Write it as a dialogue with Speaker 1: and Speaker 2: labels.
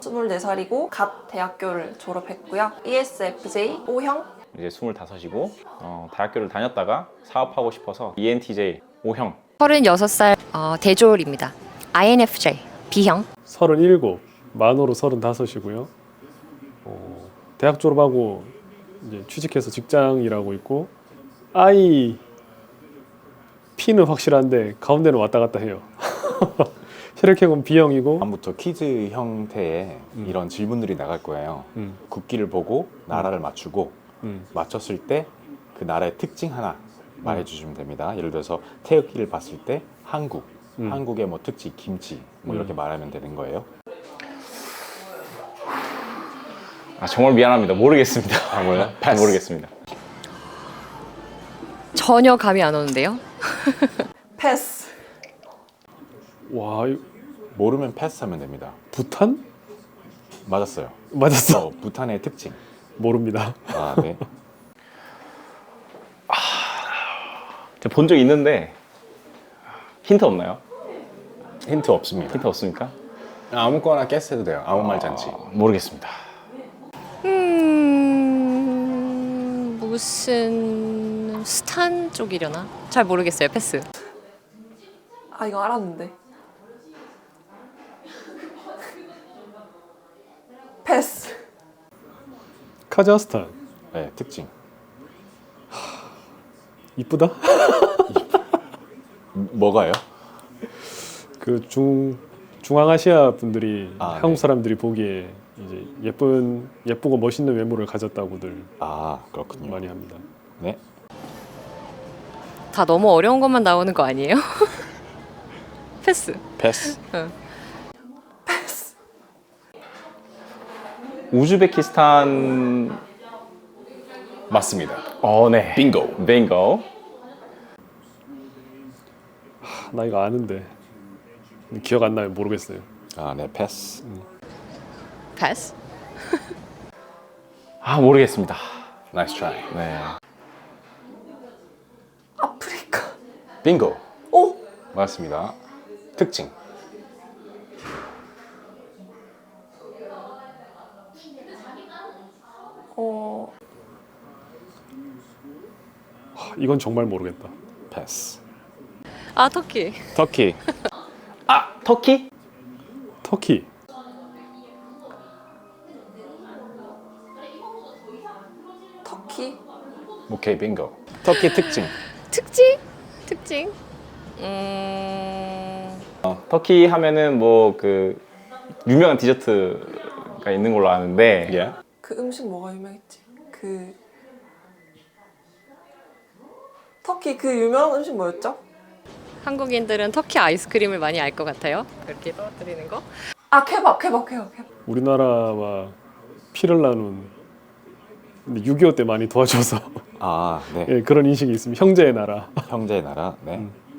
Speaker 1: 24살이고 갓 대학교를 졸업했고요. ESFJ O형.
Speaker 2: 이제 25이고 대학교를 다녔다가 사업하고 싶어서 ENTJ O형.
Speaker 3: 36살 대졸입니다. INFJ B형.
Speaker 4: 37, 만으로 35이고요. 대학 졸업하고 이제 취직해서 직장 일하고 있고 I, P는 확실한데 가운데는 왔다 갔다 해요. 혈액형은 B형이고
Speaker 5: 다음부터 퀴즈 형태의 이런 질문들이 나갈 거예요. 국기를 보고 나라를 맞추고 맞췄을 때 그 나라의 특징 하나 말해주시면 됩니다. 예를 들어서 태극기를 봤을 때 한국, 한국의 뭐 특징, 김치 뭐 이렇게 말하면 되는 거예요.
Speaker 2: 정말 미안합니다. 모르겠습니다.
Speaker 5: 아, 뭐야?
Speaker 2: 모르겠습니다.
Speaker 3: 전혀 감이 안 오는데요.
Speaker 1: 패스.
Speaker 4: 와,
Speaker 5: 모르면 패스하면 됩니다.
Speaker 4: 부탄?
Speaker 5: 맞았어요.
Speaker 4: 맞았어.
Speaker 5: 부탄의 특징.
Speaker 4: 모릅니다.
Speaker 5: 아, 네.
Speaker 2: 제가 본 적 있는데 힌트 없나요?
Speaker 5: 힌트 없습니다.
Speaker 2: 힌트 없습니까?
Speaker 5: 아무거나 게스해도 돼요. 아무 말 잔치.
Speaker 2: 모르겠습니다.
Speaker 3: 무슨 스탄 쪽이려나? 잘 모르겠어요. 패스.
Speaker 1: 아 이거 알았는데. 패스.
Speaker 4: 카자흐스탄.
Speaker 5: 네, 특징.
Speaker 4: 이쁘다?
Speaker 5: 뭐가요?
Speaker 4: 그 중앙아시아 분들이
Speaker 5: 아,
Speaker 4: 한국
Speaker 5: 네.
Speaker 4: 사람들이 보기에 이제 예쁘고 멋있는 외모를 가졌다고들
Speaker 5: 아, 그렇군요.
Speaker 4: 많이 합니다.
Speaker 5: 네.
Speaker 3: 다 너무 어려운 것만 나오는 거 아니에요? 패스.
Speaker 5: 패스.
Speaker 1: 패스.
Speaker 2: 우즈베키스탄.
Speaker 5: 맞습니다.
Speaker 2: 네.
Speaker 5: 빙고.
Speaker 2: 빙고.
Speaker 4: 나 이거 아는데 기억 안 나요. 모르겠어요.
Speaker 5: 아, 네, 패스.
Speaker 3: 패스.
Speaker 2: 모르겠습니다.
Speaker 5: 나이스 트라이.
Speaker 2: 네.
Speaker 1: 아프리카.
Speaker 5: 빙고.
Speaker 1: 오.
Speaker 5: 맞습니다. 특징.
Speaker 4: 이건 정말 모르겠다.
Speaker 5: 패스.
Speaker 3: 터키.
Speaker 5: 터키.
Speaker 2: 터키?
Speaker 4: 터키.
Speaker 1: 터키.
Speaker 5: 오케이, 빙고. 터키 특징.
Speaker 3: 특징.
Speaker 2: 터키 하면은 뭐 그 유명한 디저트가 있는 걸로 아는데
Speaker 5: 예.
Speaker 1: 그 음식 뭐가 유명했지? 터키 그 유명한 음식 뭐였죠?
Speaker 3: 한국인들은 터키 아이스크림을 많이 알 것 같아요. 그렇게 떨어뜨리는 거.
Speaker 1: 아 케밥.
Speaker 4: 우리나라와 피를 나눈 6.25 때 많이 도와줘서
Speaker 5: 아, 네.
Speaker 4: 예, 그런 인식이 있습니다. 형제의 나라.
Speaker 5: 형제의 나라. 네.